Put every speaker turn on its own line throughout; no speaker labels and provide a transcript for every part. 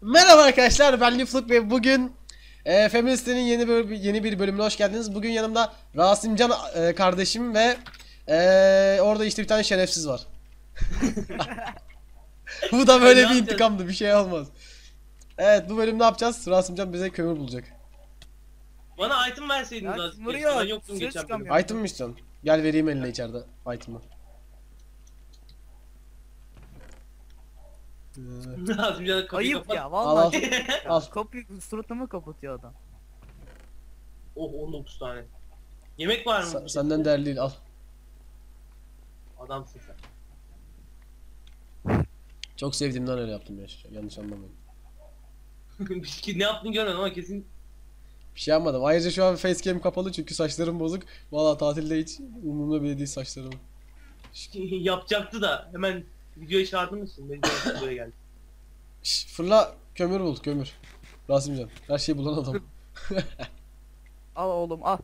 Merhaba arkadaşlar, ben Lifluk ve bugün Feminist'in yeni bir bölümüne hoş geldiniz. Bugün yanımda Rasimcan kardeşim ve orada işte bir tane şerefsiz var. Bu da böyle
Ne
bir
yapacağız?
intikamdı, bir şey olmaz. Evet, bu bölüm ne yapacağız? Rasimcan bize kömür bulacak.
Bana item verseydiniz
Ya,
az
vuruyor.
Ben yoktum
Dışarı
geçen bölüm.
çıkamıyorum.
Item mı istiyorsun? Gel vereyim eline içeride item'ı.
Lazım canım kapıyı
Ayıp
kapat.
ya
Al,
vallahi.
al.
Kapıyı suratıma kapatıyor adam.
Oh 19 tane. Yemek var mı?
Senden değerli değil, al.
Adamsın sen.
Çok sevdiğimden öyle yaptım ya. Yanlış anlamayın.
Ne yaptığını görmedim ama kesin
Bir şey yapmadım. Ayrıca şu an facecam kapalı çünkü saçlarım bozuk. Valla tatilde hiç umurumda bile değil saçlarım.
yapacaktı da hemen videoya çağırdın mısın? Ben de buraya geldim.
Şş, fırla kömür bul kömür. Rasimcan her şeyi bulan adam.
Al oğlum al.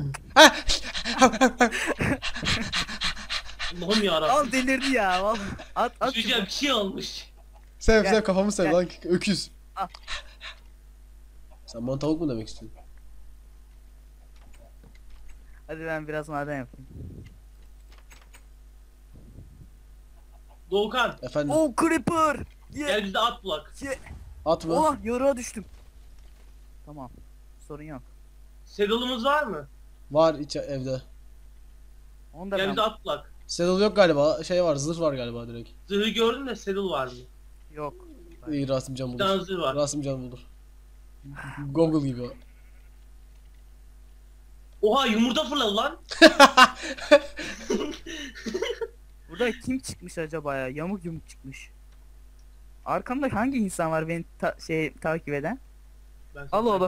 Allah'ım yarabbim.
Al delirdi ya vallahi. At
Çocuğa
şunu.
bir şey olmuş.
Sev
Gel,
sev kafamı sev
gel.
lan öküz.
Al.
Sen bana tavuk mu demek istiyorsun?
Hadi ben biraz maden yapayım.
Doğukan
Efendim
Oh creeper.
gel bizde at bulak.
at mı?
Oh yarığa düştüm. Tamam. Sorun yok.
Saddle'ımız var mı?
Var evde.
Onu da
Gel
ben...
bizde at bulak.
Saddle yok galiba, şey var, zırh var galiba direkt.
Zırhı gördüm de saddle var mı?
Yok.
İyi, Rasimcan
Bir tane
bulur.
zırh var.
Rasimcan bulur. Google gibi o.
Oha yumurta fırladı lan.
Burada kim çıkmış acaba ya? Yamuk yumuk çıkmış. Arkamda hangi insan var beni takip eden?
Ben
Al oğlum.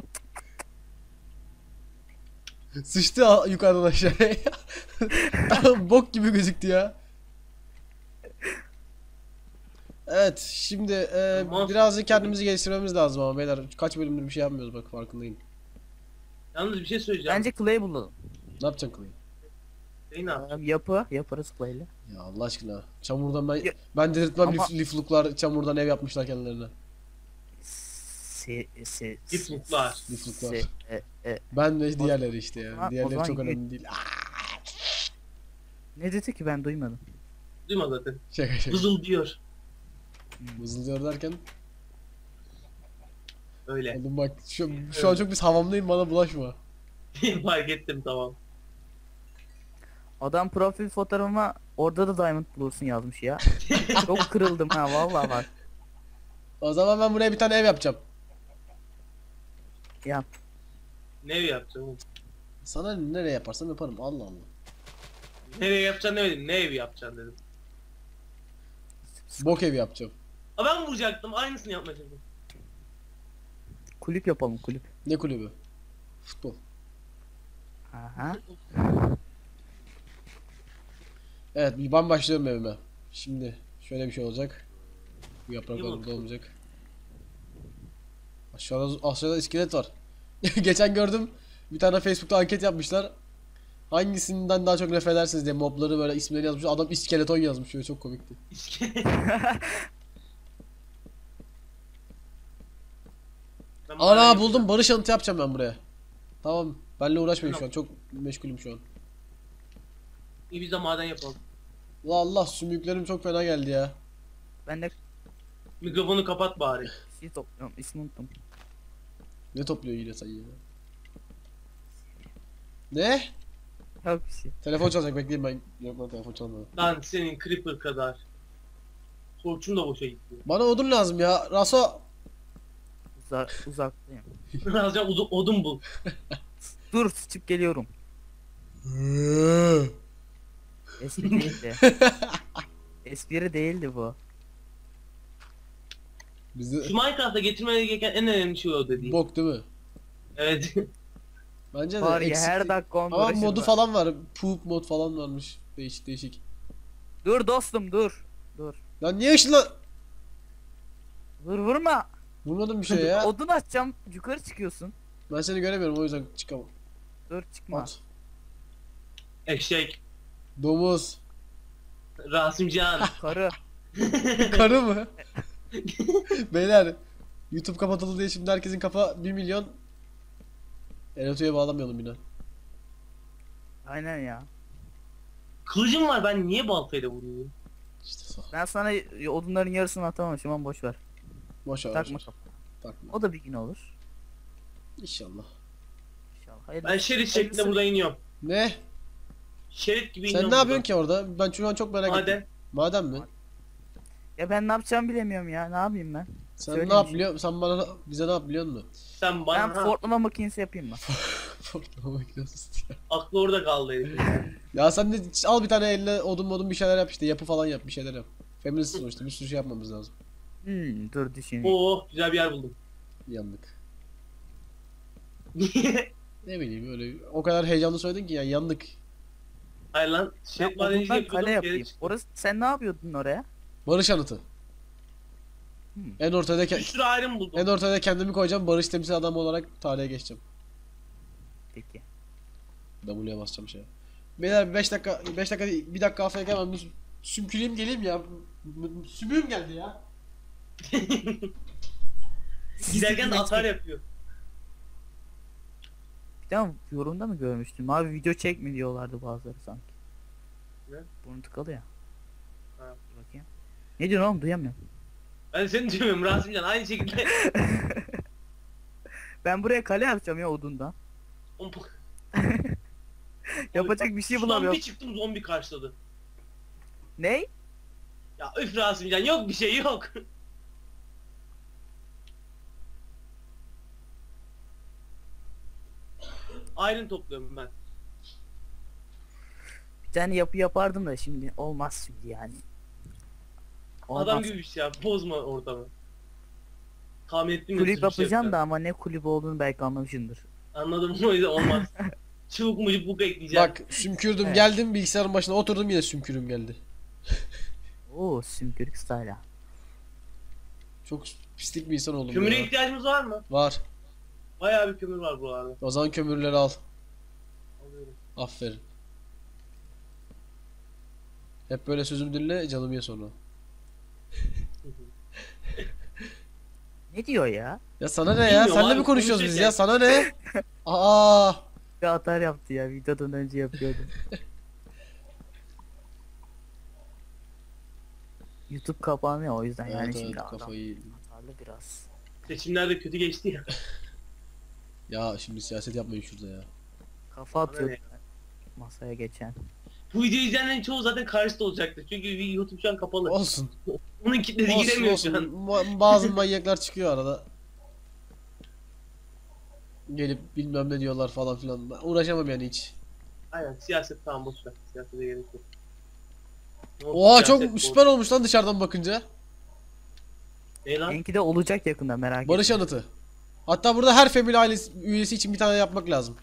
Sıçtı yukarıdan aşağıya. Bok gibi gözüktü ya. Evet, şimdi birazcık kendimizi geliştirmemiz lazım ama beyler, kaç bölümdür bir şey yapmıyoruz, bak farkındayım.
Yalnız bir şey söyleyeceğim.
Bence clay bulalım.
Ne yapacaksın Clay?
Şey ne yapacağım?
Yaparız clay'le.
Ya Allah aşkına, çamurdan
Ya-
ben delirtmem,
Ama-
lifluklar çamurdan ev yapmışlar kendilerine.
Lifluklar.
Lifluklar.
Se,
Ben ve diğerleri işte ya.
zaman- o
Diğerleri
zaman
çok
git.
önemli değil.
Ne dedi ki ben duymadım.
Duyma zaten.
Şaka şaka.
Vızıl diyor.
Vızıldıyor derken.
Öyle.
Oğlum bak şu an çok biz havamdayım, bana bulaşma.
Fark ettim tamam.
Adam profil fotoğrafıma orada da diamond bulursun yazmış ya. Çok kırıldım ha vallahi bak.
O zaman ben buraya bir tane ev yapacağım.
Yap.
Ne ev yapacağım oğlum?
Sana nereye yaparsam yaparım, Allah Allah.
Nereye yapacaksın demedim. Ne evi yapacaksın dedim.
Bok evi yapacağım.
Aa ben vuracaktım. Aynısını yapmayacaktım.
Kulüp yapalım kulüp.
Ne kulübü? Futbol.
Aha.
Evet, ben başlıyorum evime. Şimdi şöyle bir şey olacak. Bu yapraklar
İyi
burada
bakalım.
olmayacak. Aşağıda iskelet var. Geçen gördüm, bir tane Facebook'ta anket yapmışlar. Hangisinden daha çok nefret edersiniz diye mobları böyle isimlerini yazmış. Adam iskeleton yazmış, şöyle çok komikti.
Ben
Ana
maden
buldum, barış anıtı yapacağım ben buraya. Tamam, benle uğraşmayın şu an, çok meşgulüm şu an.
İyi biz de maden yapalım.
La Allah, sümüklerim çok fena geldi ya.
Ben de
Mikrofonu kapat bari.
şey topluyorum ismini unuttum.
Ne topluyor yine sen ya? Ne?
Yok bir şey.
Telefon çalacak, bekleyin ben. Yok lan, telefon çalmadı.
Lan senin creeper kadar. Torçun da boşa gitti.
Bana odun lazım ya. Raso.
Uzaktayım.
Birazcık odun bul.
Dur sıçıp geliyorum. Espri değildi. Espri değildi bu.
Bizde
Şu Minecraft'a getirmeye gereken en önemli şey o dediğim.
bok değil mi?
Evet.
Bence de
Var ya
eksik.
her dakika on
Ama
uğraşır
modu
var.
falan var. Poop mod falan varmış. Değişik değişik.
Dur dostum dur. Dur.
Lan niye ışınla...
Dur vurma.
Vurmadım bir şey ya.
Odun açacağım yukarı çıkıyorsun.
Ben seni göremiyorum, o yüzden çıkamam.
Dur çıkma.
At.
Eşek.
Domuz.
Rasimcan.
Karı.
Karı mı? Beyler. YouTube kapatıldı diye şimdi herkesin kafa 1 milyon. Erotu'ya bağlamayalım yine.
Aynen ya.
Kılıcım var, ben niye baltayla vuruyorum?
İşte
Ben sana odunların yarısını atamamışım ama boş ver.
boş ver.
Takma
boş ver.
kafana.
Takma.
O da bir gün olur.
İnşallah.
İnşallah. Hayırlısı.
Ben şerit şeklinde
Hayırlısı.
burada iniyorum.
Ne?
Şerit gibi iniyorum.
Sen ne yapıyorsun ki orada? Ben şu an çok merak ettim.
Maden.
Maden mi?
Ya ben ne yapacağımı bilemiyorum ya. Ne yapayım ben?
Sen
Söyle
ne
bir
yap
şey.
biliyor? Sen bana bize ne yap biliyor musun?
Sen
Ben
bana
fortlama makinesi yapayım mı?
Fortlama makinesi ya.
aklı orada kaldı herifin.
Ya sen de al bir tane eline odun bir şeyler yap işte. Yapı falan yap, bir şeyler yap. Feminist sonuçta bir sürü şey yapmamız lazım.
Dur düşüneyim.
Oo, güzel bir yer buldum.
Yandık. Ne bileyim öyle o kadar heyecanlı söyledin ki ya yandık.
Hayır lan,
Ben
şerit madenciliği
odundan kale
yapıyordum.
yapayım. Orası sen ne yapıyordun oraya?
Barış anıtı. En ortada
Bir sürü ayrım buldum.
en ortada kendimi koyacağım. Barış temsil adamı olarak tarihe geçeceğim.
Peki.
W'ye basacağım şeye. Beyler 5 dakika 5 dakika değil, 1 dakika afiyet gelmem. Sümküleyim geleyim ya. Sümüğüm geldi ya.
Giderken de atar yapıyor.
Bir tane yorumda mı görmüştüm? Abi video çekme diyorlardı bazıları sanki.
Ne?
Burnu tıkalı ya.
Ha.
Dur bakayım. Ne diyorsun oğlum duyamıyorum.
Ben seni duymuyorum Rasimcan, aynı şekilde.
Ben buraya kale yapacağım ya odundan. Yapacak bir şey
Şuradan
bulamıyorum.
bir çıktım, zombi karşıladı.
Ne?
Ya üf Rasimcan, yok bir şey yok. Iron topluyorum ben.
Bir tane yapı yapardım da şimdi olmaz şimdi yani. Olmaz.
Adam gibi bir şey ya, bozma ortamı. Tahmin ettim
Kulüp
ya, siz bir şey
yapacağım da
yapacaksınız.
ama ne kulübü olduğunu belki anlamışsındır.
Anladım, o yüzden olmaz. Çubuk mucuk buk ekleyeceğim.
Bak sümkürdüm
Evet.
geldim bilgisayarın başına oturdum yine sümkürüm geldi.
Oo sümkürük style.
Çok pislik bir insan oldum
Kömüre
ya.
ihtiyacımız var mı?
Var.
Bayağı bir kömür var buralarda.
O zaman kömürleri al.
Alıyorum.
Aferin. Hep böyle sözüm dinle canım ye sonra.
Ne diyor ya?
Ya sana ne ya?
Bilmiyorum
Senle
abi,
mi konuşuyoruz biz ya?
konuşurken.
Sana ne? Aa!
Bir atar yaptı ya videodan önce yapıyordu. YouTube kapanıyor o yüzden yani
Evet,
şimdi
evet,
adam
kafayı.
atarlı biraz.
Seçimler de kötü geçti ya.
Ya şimdi siyaset yapmayın şurada ya.
Kafa atıyor
ne?
masaya geçen.
Bu videoyu izleyenlerin çoğu zaten karşıda olacaktır. Çünkü YouTube şu an kapalı.
Olsun.
Onun kitlesi
Olsun
giremiyor
olsun.
şu an.
Bazı manyaklar çıkıyor arada. Gelip bilmem ne diyorlar falan filan. Ben uğraşamam yani hiç.
Aynen, siyaset tamam, boş ver. Siyasete gerek yok. Ne oldu,
Oha
siyaset
çok süper olmuş lan dışarıdan bakınca.
Ne lan?
Enki de olacak yakında merak
Barış
etme.
anıtı. Hatta burada her family ailesi üyesi için bir tane yapmak lazım.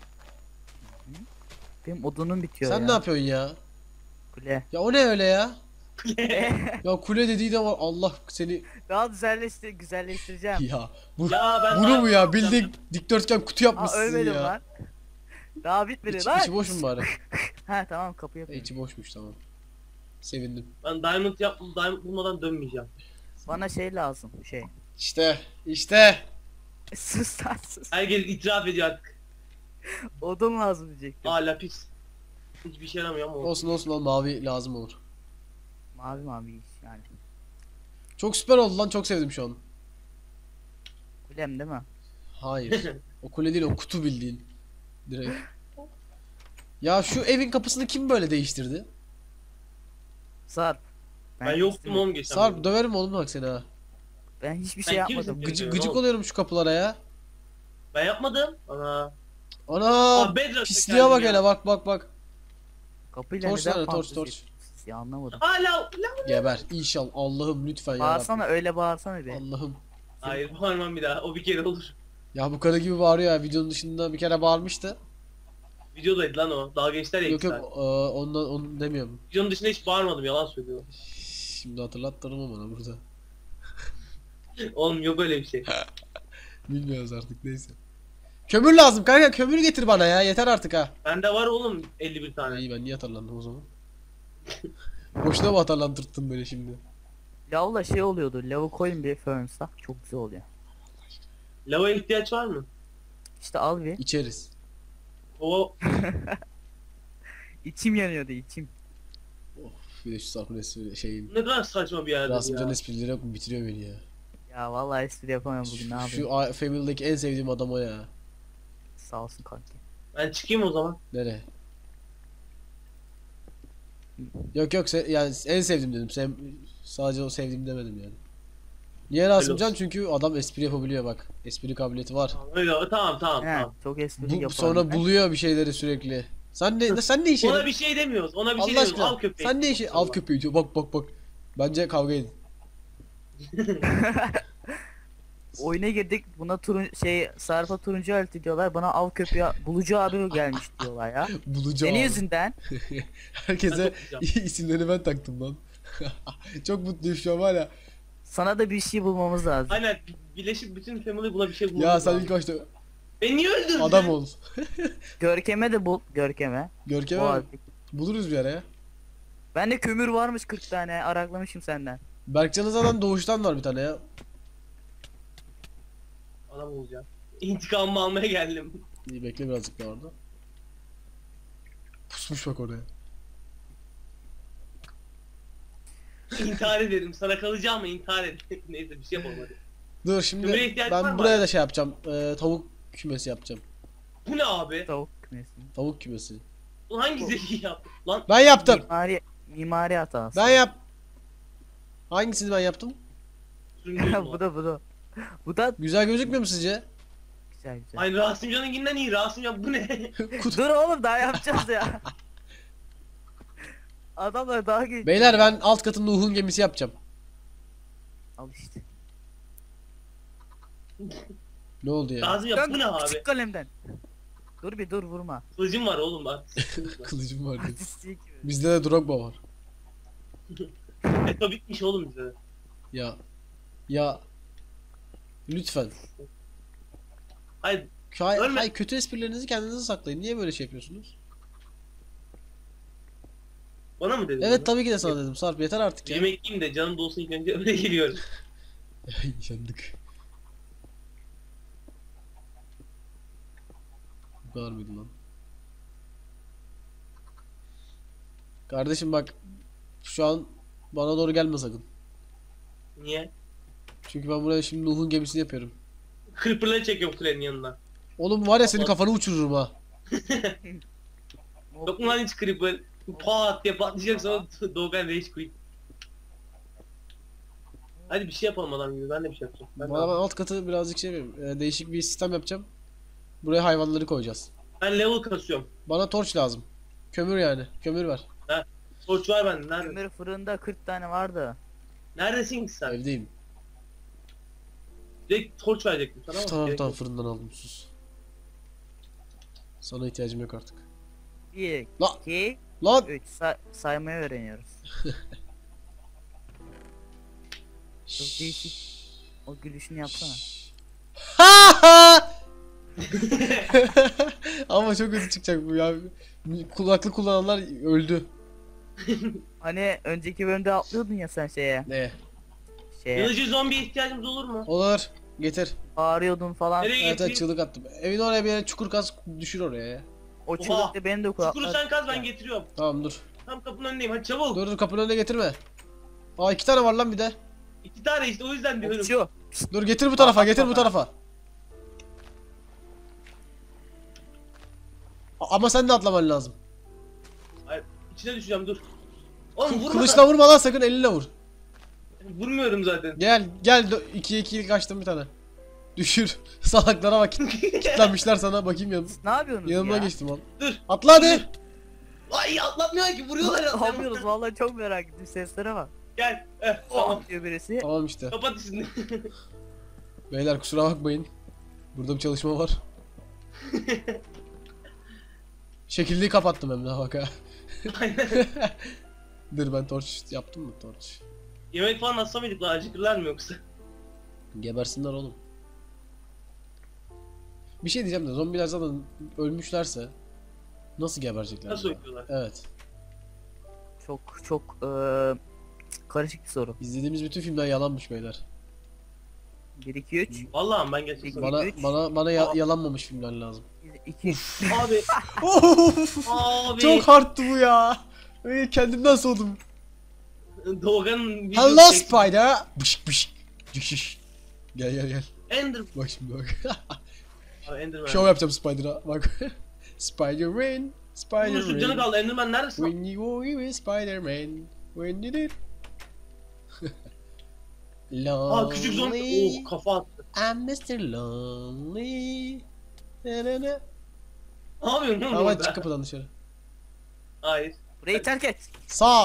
Benim odunum bitiyor
Sen
ya.
ne yapıyorsun ya?
Kule.
Ya o ne öyle ya? Ya kule dediği de var. Allah seni
Daha güzelleştireceğim.
ya. Bu,
Ya ben
bunu
daha-
mu ya? Bildiğin dikdörtgen kutu
Aa
yapmışsın
ölmedim
ya.
lan. Daha bitmedi
İçi,
lan.
içi boş mu bari?
Ha tamam kapı yapıyorum.
İçi boşmuş tamam. Sevindim.
Ben diamond bulmadan dönmeyeceğim.
Bana şey lazım şey.
İşte.
Sus lan sus.
Herkes itiraf ediyor artık.
Odun lazım diyecektim.
Aa, lapis. Hiçbir şey yaramıyor ama olsun.
Olsun olsun lan mavi lazım olur.
Mavi mavi iş yani.
Çok süper oldu lan çok sevdim şu an.
Kulem değil mi?
Hayır. O kule değil o kutu bildiğin. Direkt. Ya şu evin kapısını kim böyle değiştirdi?
Sarp.
Ben yoktum
istemedim.
oğlum geçen.
Sarp döverim oğlum bak seni ha.
Ben hiçbir
Sen
şey
kimsin?
yapmadım.
Gıcık oluyorum şu kapılara ya.
Ben yapmadım. Ana.
Ana
Bedrock
pisliğe bak
geldim
hele
ya.
bak.
Kapıyla
Torç
neden
nerede? Torç,
fantezi
torç.
yapıyorsunuz ya anlamadım.
Aa la.
Geber inşallah Allah'ım lütfen ya
Bağırsana
Rabbim.
öyle bağırsana bir.
Allah'ım.
Hayır, bağırmam bir daha. O bir kere olur.
Ya bu karı gibi bağırıyor ya videonun dışında bir kere bağırmıştı.
Videodaydı lan o. Dalga geçtiler ya
Yok
iki
yok
saat.
ondan onu demiyorum.
Videonun dışında hiç bağırmadım, yalan söylüyorum.
Şimdi hatırlattırma bana burada.
Oğlum yok öyle bir şey.
Bilmiyoruz artık neyse. Kömür lazım kanka kömür getir bana ya yeter artık ha.
Bende var oğlum 51 tane.
İyi ben niye hatırlandım o zaman? Boşuna mı hatırlandırttın beni şimdi?
Lavla şey oluyordu. Lavı koyun bir furnace'a. Çok güzel oluyor.
Lava ihtiyaç var mı?
İşte al bir.
İçeriz.
O
İçim yanıyordu içim.
Of, bir de şu Sarp'ın espri şeyin.
ne kadar saçma bir yerdir
Rasimcan
ya.
esprileri yok mu? Bitiriyor beni ya.
Ya vallahi espri yapamıyorum bugün, ne yapayım.
Family'deki en sevdiğim adam o ya.
Sağ olsun kanki.
Ben çıkayım o zaman.
Nereye? Yok yok yani en sevdiğim dedim. Sadece o sevdiğim demedim yani. Niye Rasimcan?
olsun.
Çünkü adam espri yapabiliyor bak. Espri kabiliyeti var.
Tamam, öyle tamam.
He, çok espri yaparım
Sonra
ben.
buluyor bir şeyleri sürekli. Sen ne işe
Ona
yaradın?
bir şey demiyoruz. Ona bir şey
Allah
demiyoruz.
aşkına.
Al köpeği.
Sen ne işe al köpeği diyor. Bak. Bence kavga edin.
Oyuna girdik, buna Sarp'a turuncu elti diyorlar, bana av köpeği bulucu abi gelmiş diyorlar ya.
Bulacağım.
Senin
abi.
yüzünden.
Herkese
Ben de
isimlerini ben taktım lan. Çok mutluyum şu an var ya.
Sana da bir şey bulmamız lazım.
Aynen. Birleşip bütün family buna bir şey bulmamız
Ya sen
lazım.
ilk başta
Beni niye öldürdün?
adam ol.
Görkem'e de bul, Görkem'e.
Görkem
O
abi.
abi.
Buluruz bir ara ya.
Bende kömür varmış 40 tane, araklamışım senden.
Berkcan'ın zaten doğuştan var bir tane ya.
Adam olacağım. İntikamımı almaya geldim.
İyi bekle birazcık daha orada. Pusmuş bak oraya.
İntihar ederim. Sana kalacağım mı intihar ederim. Neyse bir şey yapalım hadi.
Dur şimdi
Kömüre ihtiyacın var
ben
mı
buraya
abi?
da şey yapacağım. Tavuk kümesi yapacağım.
Bu ne abi?
Tavuk kümesi.
Tavuk kümesi.
Ulan hangi zeki yaptı? Lan
Ben yaptım.
Mimari hatası.
Ben yap. Hangisini ben yaptım?
süründürdüm
bu da. Bu da
Güzel gözükmüyor mu sizce?
güzel güzel.
Ay Rasimcan'ınkinden iyi. Rasimcan bu ne?
Dur oğlum, daha yapacağız ya. Adamlar daha geç.
Beyler ben alt katın Nuh'un gemisi yapacağım.
Al işte.
Ne oldu ya?
Rasimcan bu ne abi?
Küçük kalemden. Dur bir dur, vurma.
Kılıcım var oğlum bak.
Kılıcım var diyor.
Artistlik.
Bizde de Drogba var.
Eto bitmiş oğlum bize. de.
Ya. Lütfen.
Hayır
Hayır,
Ölme.
kötü esprilerinizi kendinize saklayın. Niye böyle şey yapıyorsunuz?
bana mı dedin?
Evet
bunu?
tabii ki de sana dedim. Sarp yeter artık ya.
Yemek yiyeyim de canım dolsun ilk önce öyle geliyorum.
Yandık. Bu kadar mıydı lan? Kardeşim bak. Şu an bana doğru gelme sakın.
Niye?
Çünkü ben buraya şimdi Nuh'un gemisini yapıyorum.
Creeper'ları çekiyorum kulenin yanına.
Oğlum var ya senin kafanı uçururum ha.
Yok mu lan hiç Creeper? Pat diye patlayacak sonra Doğukan Rage Quit. Hadi bir şey yapalım adam gibi ben de bir şey yapacağım. Ben,
Bana ben alt katı birazcık şey yapayım. Değişik bir sistem yapacağım. Buraya hayvanları koyacağız.
ben level kasıyorum.
Bana torç lazım. Kömür yani. Kömür ver.
Torç var bende. Nerede?
Kömür fırında 40 tane vardı.
Neredesin ki sen?
Evdeyim.
Direkt torç verecektim sana ama.
Tamam
gerek
tamam
yok.
fırından aldım sus. Sana ihtiyacım yok artık.
1,
La
2,
lan.
3 saymayı öğreniyoruz. Çok değişik. O gülüşünü yapsana.
Ama çok kötü çıkacak bu ya. Kulaklık kullananlar öldü.
Hani önceki bölümde atlıyordun ya sen
Ne?
şeye
Yılıcı zombiye ihtiyacımız olur mu?
Olur. Getir.
bağırıyordun falan.
Nereye
Evet evet
getireyim?
çığlık attım. Evin oraya bir yere çukur kaz düşür oraya ya.
O çığlıkta beni de
Çukuru sen kaz ben getiriyorum.
Tamam dur.
Tam kapının önündeyim hadi çabuk.
Dur kapının önüne getirme. Aa 2 tane var lan bir de.
2 tane işte o yüzden diyorum.
Uçuyor.
Dur getir bu tarafa getir bu tarafa. Ama sen de atlaman lazım.
Hayır içine düşeceğim dur. Oğlum vurma.
Kılıçla vurma lan sakın elinle vur.
Vurmuyorum zaten.
Gel 2'ye 2'lik açtım bir tane. Düşür. Salaklara bak. Kitlenmişler sana bakayım yanım.
Ne yapıyorsunuz
Yanımdan
ya?
geçtim lan.
Dur.
Atla hadi.
Ay atlatmıyor ki vuruyorlar
Ne
ya.
yapıyoruz, vallahi çok merak ettim, seslere bak.
Gel. Tamam.
Tamam diyor birisi.
Tamam işte.
Kapat işini.
Beyler kusura bakmayın. Burada bir çalışma var. Şekilliği kapattım hem de bak ha.
Aynen.
Dur ben torç yaptım mı torç?
Yemek falan atsa mıydık lan acıkırlar mı yoksa?
Gebersinler oğlum. Bir şey diyeceğim de zombiler zaten ölmüşlerse nasıl geberecekler?
Nasıl
ya?
öpüyorlar?
Evet.
Çok karışık bir soru.
İzlediğimiz bütün filmler yalanmış beyler.
1 2 3
Vallahi ben geçtim.
Peki.
Bana
Üç.
yalanmamış filmler lazım.
2
Abi.
Of,
Abi.
çok hardtı bu ya. Kendimden soğudum.
Doğan'ın
Hello
videosu çekti.
Spider. Bışık bışık. Cışış. Gel gel gel.
Ender.
Bak şimdi bak.
Abi Enderman.
Şov yapacağım Spider'a. Bak. Spider-Man.
Bunun şu canı
Spider-Man.
kaldı. Enderman neredesin?
When you were with Spider-Man. When you did.
Aa küçük zombi.
Lonely.
Oh kafa attı.
I'm Mr. Lonely. Na na na.
Ne yapıyorsun lan
Ama
orada?
çık kapıdan dışarı.
Hayır.
Burayı terk et.
Sağ.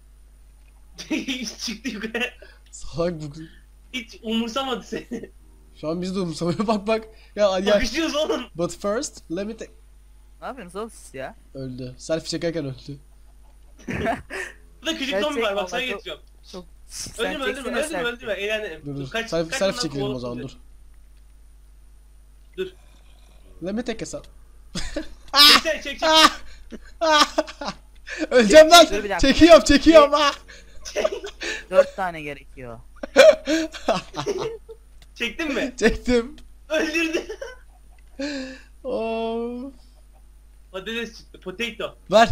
Çıktı yukarı.
Salak bu.
Hiç umursamadı seni.
Şu an biz de umursamıyor. Bak bak. Ya hadi gel.
Bakışıyoruz oğlum.
But first, let me take...
Ne yapıyorsunuz oğlum siz ya?
Öldü. Selfie çekerken öldü.
Burada küçük
Gerçek
zombi var bak sana
vallahi çok-
getiriyorum.
Çok
Öldürme öldürme eğlenelim.
Dur dur.
Kaç
Selfie
ondan
çekelim o
kovalım
zaman
bizi.
dur.
Dur.
Let me take a selfie.
Çek.
Öleceğim lan.
Dur bir dakika.
Çekiyorum. Ah!
4 tane gerekiyor.
Çektin mi?
Çektim.
Öldürdü.
Oh.
Patates çıktı. Potato.
Ver.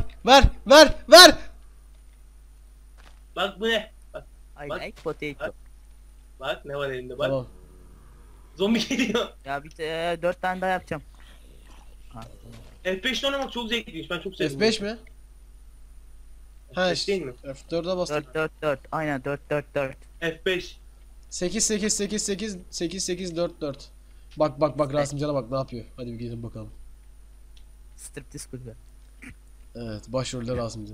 Bak bu ne? Bak,
I
Bak.
like potato.
bak ne var elinde bak.
Tamam.
Zombi geliyor.
Ya bir 4 tane daha yapacağım. Ha.
F5'te oynamak çok zevkliymiş. Ben çok sevdim.
F5 mi? Ha
F5 değil mi?
F4'e bastım.
4 aynen 4
F5.
8 4 4. Bak Rasimcan'a bak ne yapıyor. Hadi bir gelin bakalım.
Striptiz kulübü.
Evet, başrolde Rasimcan.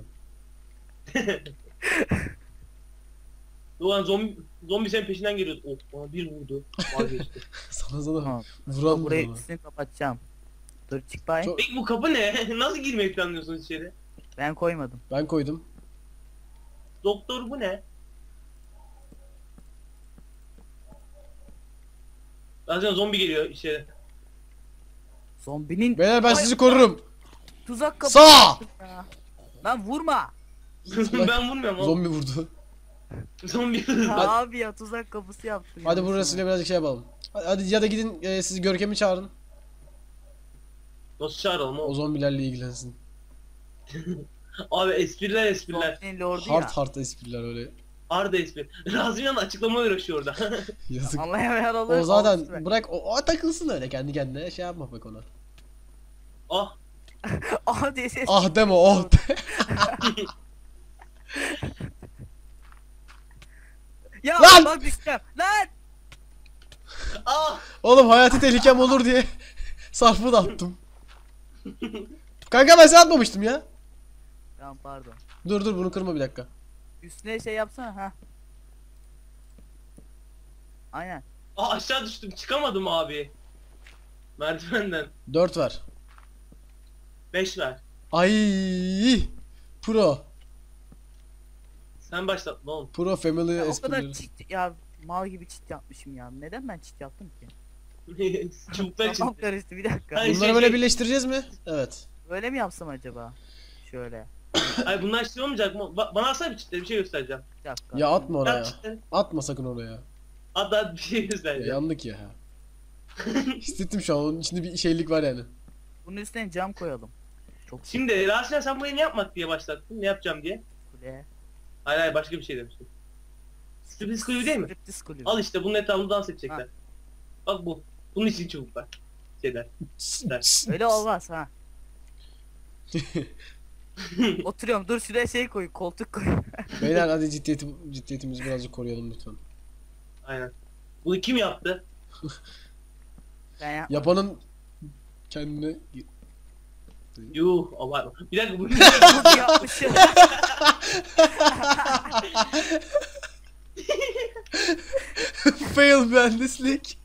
Doğan zombi senin peşinden geliyordu. Oh bana bir vurdu. Vazgeçti.
Sana
Tamam.
vuran
Burayı
mı sana?
üstünü kapatacağım. Dur çık bay.
Çok-
Peki bu kapı ne? Nasıl girmeyi planlıyorsunuz içeri?
Ben koymadım.
Ben koydum.
Doktor bu ne? Zaten zombi geliyor içeri.
Zombinin
Beyler ben
Ay,
sizi korurum.
tuzak kapı.
Sağ!
Ya. Lan vurma.
Ben vurmuyorum oğlum.
Zombi vurdu.
Zombi.
Ya abi ya tuzak kapısı yaptım.
Hadi
ya.
burasıyla birazcık şey yapalım. Hadi ya da gidin siz Görkem'i çağırın.
Nasıl çağıralım
O
oğlum?
zombilerle ilgilensin.
Abi espriler.
Zombinin lordu
Hard
ya.
espriler öyle.
Arda espri. Razmiyan açıklama uğraşıyor orada.
Yazık.
Anlayamayan olur.
O zaten
olsun be.
bırak o takılsın öyle kendi kendine şey yapma bak ona.
Ah.
Aha diye ses.
Ah deme oh de.
Ya
Lan!
bak düşeceğim. Lan!
Ah.
Oğlum hayati tehlikem olur diye sarfı da attım. Kanka ben sana atmamıştım ya.
Tamam pardon.
Dur bunu kırma bir dakika.
Üstüne şey yapsana ha. Aynen.
Ah aşağı düştüm. Çıkamadım abi. Merdivenden.
4 ver.
5 ver.
Ay Pro.
Sen başlat ne oğlum?
Pro Family
Ya, o
esprileri.
kadar çit ya mal gibi çit yapmışım ya. Neden ben çit yaptım ki?
Çubuklar
Kafam
için.
karıştı bir dakika.
Hayır.
Bunları böyle birleştireceğiz mi? Evet.
Böyle mi yapsam acaba? Şöyle.
Ay bunlar şey olmayacak mı? Bana alsana bir çitleri bir şey göstereceğim.
Bir dakika.
Ya atma oraya.
At çitleri.
Atma sakın oraya.
At bir şey
Ya
göstereceğim.
yandık ya. Hissettim şu an onun içinde bir şeylik var yani.
Bunun üstüne cam koyalım. Çok
Şimdi Rasim'e sen burayı ne yapmak diye başlattın? Ne yapacağım diye.
kule.
Hayır başka bir şey demiştim. Striptiz kulübü değil mi?
Striptiz kulübü.
Al işte bunun etrafında dans edecekler. Bak bu. Bunun için çubuklar. Şeyler.
Öyle olmaz ha. Oturuyorum dur şuraya şey koy koltuk koy.
Beyler hadi ciddiyetimizi birazcık koruyalım lütfen.
Aynen. Bunu kim yaptı?
Ben ya.
Yapanın kendine
Yuh abartma. Bir dakika bu.
Bunu yapmışım.
fail mühendislik.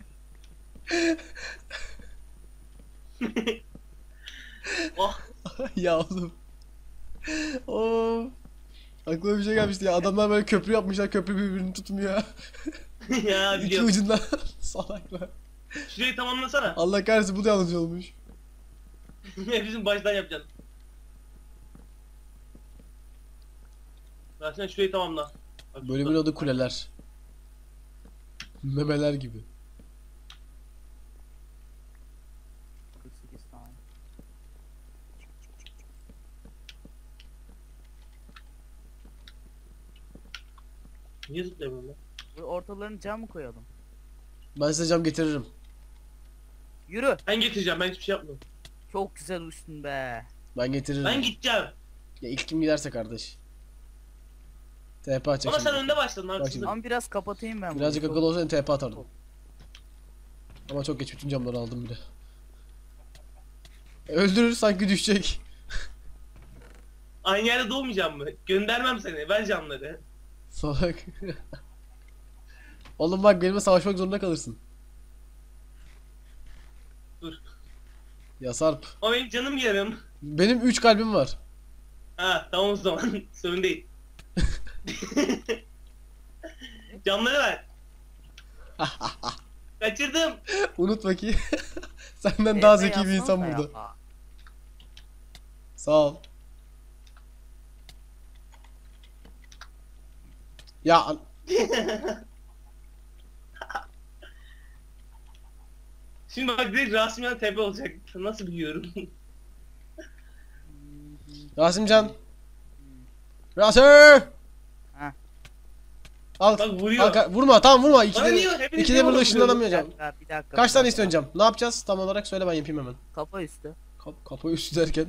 Oh.
Ya oğlum. Oo. Aklıma bir şey gelmişti ya. Adamlar böyle köprü yapmışlar. Köprü birbirini tutmuyor.
Ya
İki
biliyorum.
ucundan salaklar.
Şurayı tamamlasana.
Allah kahretsin bu da yanlış olmuş.
Hepsini baştan yapacaksın. Rasim şurayı tamamla. Bak,
Bölümün adı kuleler. Memeler gibi.
48 tane.
Niye zıplayamıyorum lan?
Bu ortalarını cam mı koyalım?
Ben size cam getiririm.
Yürü.
Ben getireceğim, ben hiçbir şey yapmıyorum.
Çok güzel uçtun be.
Ben getiririm.
Ben gideceğim.
Ya ilk kim giderse kardeş. TP atacak
Ama sen
şimdi.
önde başladın
Bak
haksızlık.
şimdi.
Ama biraz kapatayım ben.
Birazcık
bunu.
akıllı olsaydı TP atardım. Ama çok geç bütün camları aldım bile. Öldürür sanki düşecek.
Aynı yerde doğmayacağım mı? Göndermem seni, ver canları.
Salak. Oğlum bak benimle savaşmak zorunda kalırsın.
Dur.
Ya Sarp.
Ama benim canım yarım.
Benim 3 kalbim var.
Ha tamam o zaman. Sorun değil. Canları ver. Kaçırdım.
Unutma ki senden daha zeki bir insan
Yazsana
burada.
ya.
Sağ ol. Ya
Şimdi bak direkt Rasim'den tepe olacak. Nasıl biliyorum?
Rasimcan. Rasim.
Ha.
Al.
Bak vuruyor.
Vurma tamam vurma.
Bana
İkide,
niye? Hepiniz
ikide
niye
burada
vurdunuz?
ışınlanamayacağım.
Bir dakika.
Kaç tane istiyorsun cam? Ne yapacağız tam olarak söyle ben yapayım hemen.
Kafa üstü.
Kapı üstü derken.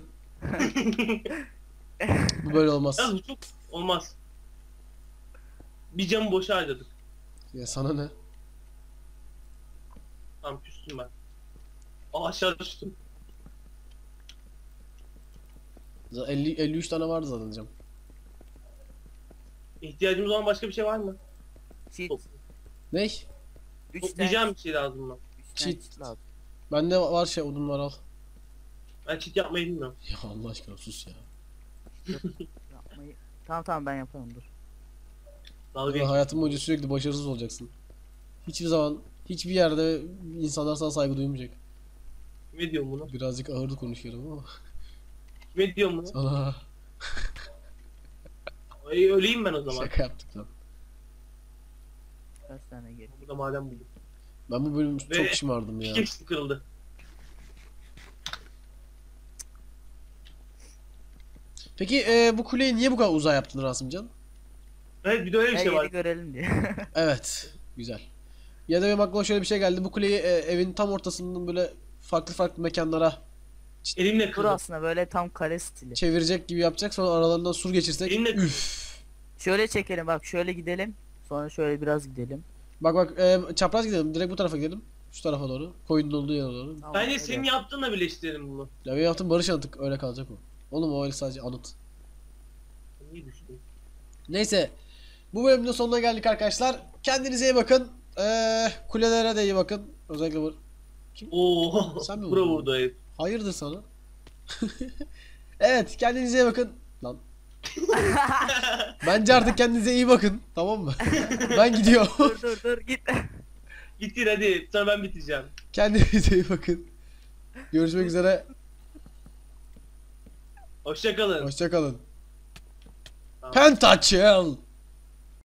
Bu böyle olmaz.
Yalnız bu çok olmaz. Bir camı boşa harcadık.
Ya sana ne?
Tamam küstüm ben. Aa aşağı düştüm.
53 tane vardı zaten cam.
İhtiyacımız olan başka bir şey var mı?
Cheat.
Ne?
3 tane.
Toplayacağım bir şey lazım mı?
3 tane
Cheat.
cheat lazım.
Bende var şey odun var al.
Ben cheat yapmayı bilmiyorum.
Ya Allah aşkına sus ya.
Yapmayı. Tamam ben yaparım dur.
Dalga
Ya
geç.
hayatın boyunca sürekli başarısız olacaksın. Hiçbir zaman hiçbir yerde insanlar sana saygı duymayacak.
Kime diyorum bunu?
Birazcık ağırdı konuşuyorum ama
Kime diyorum bunu?
sana
Ay, öleyim ben o zaman.
şaka yaptık lan.
Kaç tane geri?
Burada madem buldum.
Ben bu bölüm
Ve-
çok şımardım ya.
Pickaxe kırıldı.
Peki bu kuleyi niye bu kadar uzağa yaptın Rasımcan?
Evet bir de öyle bir
Her
şey
yeri
var.
görelim diye.
Evet. Güzel. Ya da benim aklıma şöyle bir şey geldi. Bu kuleyi evin tam ortasından böyle farklı farklı mekanlara
Elimle
Dur
kırdım.
aslında böyle tam kare stili.
çevirecek gibi yapacak. Sonra aralarından sur geçirsek.
Elinle kırdım.
Üf.
Şöyle çekelim bak şöyle gidelim. Sonra şöyle biraz gidelim.
Bak çapraz gidelim. Direkt bu tarafa gidelim. Şu tarafa doğru. Koyunun olduğu yere doğru.
Tamam,
Bence
öyle
senin
yap.
yaptığınla birleştirelim bunu.
Ya benim yaptığım barış anıtık. Öyle kalacak o. Oğlum o öyle sadece anıt.
Niye düştün?
Neyse. Bu bölümün de sonuna geldik arkadaşlar. Kendinize iyi bakın. Kulelere de iyi bakın. Özellikle bu.
Oo.
Sen mi
Bura
vurdun?
vurdu herif.
Hayırdır sana? Evet kendinize iyi bakın. Lan. Bence artık kendinize iyi bakın. Tamam mı? Ben gidiyorum.
Dur git.
Bitir hadi. Sonra ben bitireceğim.
Kendinize iyi bakın. Görüşmek üzere.
Hoşça kalın.
Hoşça kalın.
Tamam.
Pentakill.